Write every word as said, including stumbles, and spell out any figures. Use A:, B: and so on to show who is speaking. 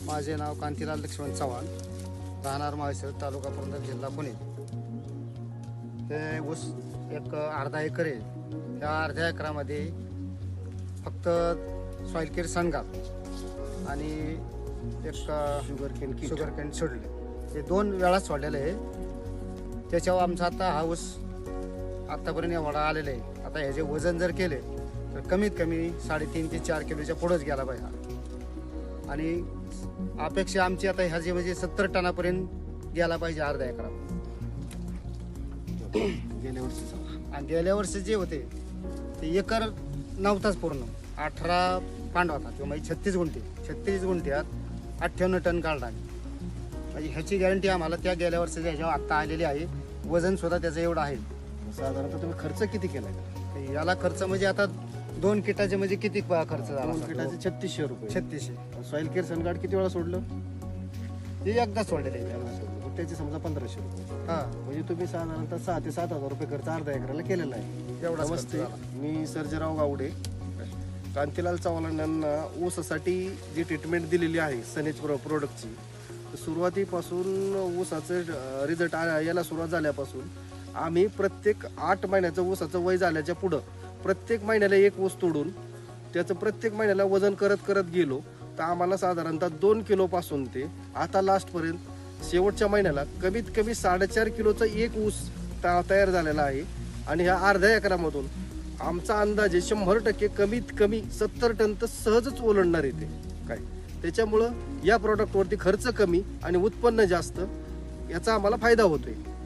A: माझे नाव कांतीलाल लक्ष्मण चव्हाण, राहणार माळशिरस, तालुका पुरंदर, जिल्हा पुणे। हे ऊस एक अर्धा एकर आहे। त्या अर्ध्या एकरामध्ये फक्त सॉइल केअर सनगाप आणि एक शुगर केन शुगर केन सोडले, ते दोन वेळा सोडलेलं आहे। त्याच्यावर आमचा आता हा ऊस आत्तापर्यंत एवढा आलेला आहे। आता ह्याचे वजन जर केले तर कमीत कमी साडेतीन ते चार किलोच्या पुढंच गेला पाहिजे आणि अपेक्षा आमची आता ह्याचे म्हणजे सत्तर टनापर्यंत गेला पाहिजे अर्ध्या एकरा।
B: गेल्या वर्षी
A: आणि गेल्या वर्षी जे होते ते एकर नव्हताच पूर्ण, अठरा पांड होता किंवा म्हणजे छत्तीस गुंठे छत्तीस गुंठ्यात अठ्ठ्याण्णव टन काढला। म्हणजे ह्याची गॅरंटी आम्हाला त्या गेल्या वर्षाच्या ह्याच्यावर आत्ता आलेली आहे। वजन सुद्धा त्याचं एवढं आहे।
B: साधारणतः तुम्ही खर्च किती केला?
A: याला खर्च म्हणजे आता दोन किटाचे म्हणजे किती खर्च झाला?
B: दोन किटाचे छत्तीसशे रुपये।
A: छत्तीसशे।
B: सॉइल केअर सनगार्ड किती वेळा सोडलं?
A: हे एकदा सोडलेले आहे।
B: मग त्याचे समजा पंधराशे रुपये।
A: हा,
B: म्हणजे तुम्ही साधारणतः सहा ते सात हजार रुपये खर्च अर्धा एकराला केलेला आहे।
A: एवढा
B: नमस्ते, मी सर्जेराव गावडे। कांतीलाल चव्हाण यांना ऊसासाठी जी ट्रीटमेंट दिलेली आहे सनेज प्रो प्रोडक्टची, सुरुवातीपासून ऊसाचं रिझल्ट यायला सुरुवात झाल्यापासून आम्ही प्रत्येक आठ महिन्याचं ऊसाचं वय झाल्याच्या पुढं प्रत्येक महिन्याला एक ऊस तोडून त्याचं प्रत्येक महिन्याला वजन करत करत गेलो तर आम्हाला साधारणतः दोन किलोपासून ते आता लास्टपर्यंत शेवटच्या महिन्याला कमीत कमी साडेचार किलोचा एक ऊस तयार झालेला आहे। आणि ह्या अर्ध्या एकरामधून आमचा अंदाजे शंभर टक्के कमीत कमी सत्तर टन तर सहजच ओलांडणार येते काय। त्याच्यामुळं या प्रॉडक्टवरती खर्च कमी आणि उत्पन्न जास्त याचा आम्हाला फायदा होतोय।